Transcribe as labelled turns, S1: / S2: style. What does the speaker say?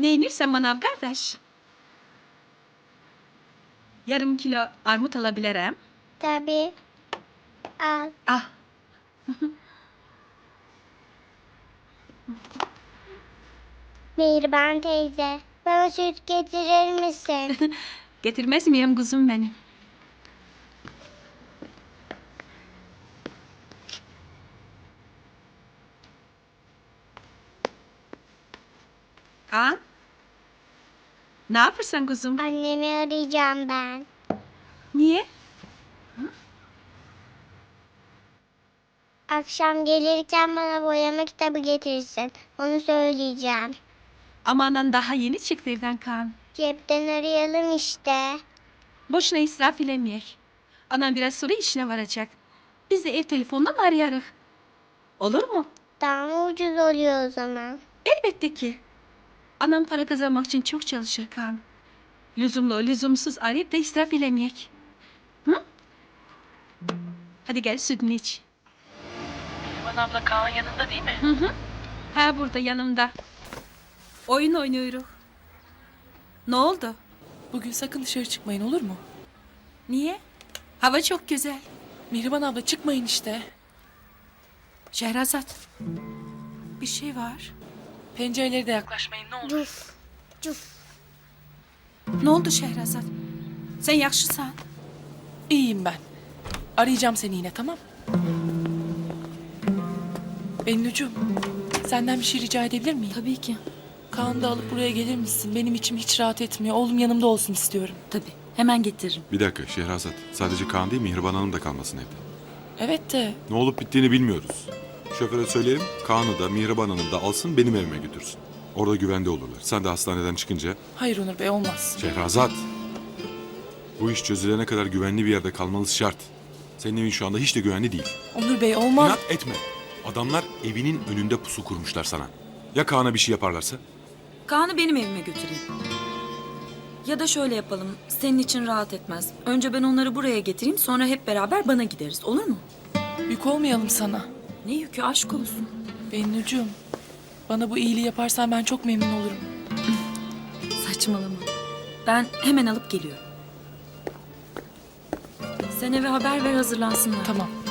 S1: Ne inirsen manav kardeş. Yarım kilo armut alabilirim.
S2: Tabii. Al.
S1: Ah.
S2: Mihriban teyze, bana süt getirir misin?
S1: Getirmez miyim kuzum benim? Kaan? Ne yapırsan kuzum?
S2: Annemi arayacağım ben.
S1: Niye?
S2: Akşam gelirken bana boyama kitabı getirsin. Onu söyleyeceğim.
S1: Ama anan daha yeni çıktı evden Kaan.
S2: Cepten arayalım işte.
S1: Boşuna israf ilemeyek. Anan biraz sonra işine varacak. Biz de ev telefonundan arayarız. Olur mu?
S2: Daha mı ucuz oluyor o zaman?
S1: Elbette ki. Anam para kazanmak için çok çalışır Kaan. Lüzumlu, lüzumsuz arayıp da israf ilemeyek. Hı? Hadi gel sütünü iç.
S3: Neriman abla Kaan yanında değil mi?
S1: Hı hı. Ha burada yanımda. Oyun oynuyoruz. Ne oldu?
S3: Bugün sakın dışarı çıkmayın olur mu?
S1: Niye? Hava çok güzel.
S3: Neriman abla çıkmayın işte.
S1: Şehrazat. Bir şey var.
S3: Pencerelere de yaklaşmayın ne olur.
S2: Cuf. Cuf.
S1: Ne oldu Şehrazat? Sen yakışısan.
S3: İyiyim ben. Arayacağım seni yine tamam? Bennucuğum, senden bir şey rica edebilir miyim?
S4: Tabii ki.
S3: Kaan'ı da alıp buraya gelir misin? Benim içim hiç rahat etmiyor. Oğlum yanımda olsun istiyorum.
S4: Tabii. Hemen getiririm.
S5: Bir dakika Şehrazat. Sadece Kaan değil Mihriban Hanım da kalmasın evde.
S3: Evet de
S5: Ne olup bittiğini bilmiyoruz. Şoföre söyleyelim Kaan'ı da Mihriban Hanım da alsın benim evime götürsün. Orada güvende olurlar. Sen de hastaneden çıkınca...
S3: hayır Onur Bey olmaz.
S5: Şehrazat. Bu iş çözülene kadar güvenli bir yerde kalmanız şart. Senin evin şu anda hiç de güvenli değil.
S3: Onur Bey olmaz.
S5: İnat etme. Adamlar evinin önünde pusu kurmuşlar sana. Ya Kaan'a bir şey yaparlarsa?
S4: Kaan'ı benim evime götüreyim. Ya da şöyle yapalım. Senin için rahat etmez. Önce ben onları buraya getireyim, sonra hep beraber bana gideriz. Olur mu?
S3: Yük olmayalım sana.
S4: Ne yükü, aşk olsun.
S3: Bennucuğum, bana bu iyiliği yaparsan ben çok memnun olurum.
S4: Saçmalama. Ben hemen alıp geliyorum. Sen eve haber ver, hazırlansınlar.
S3: Tamam.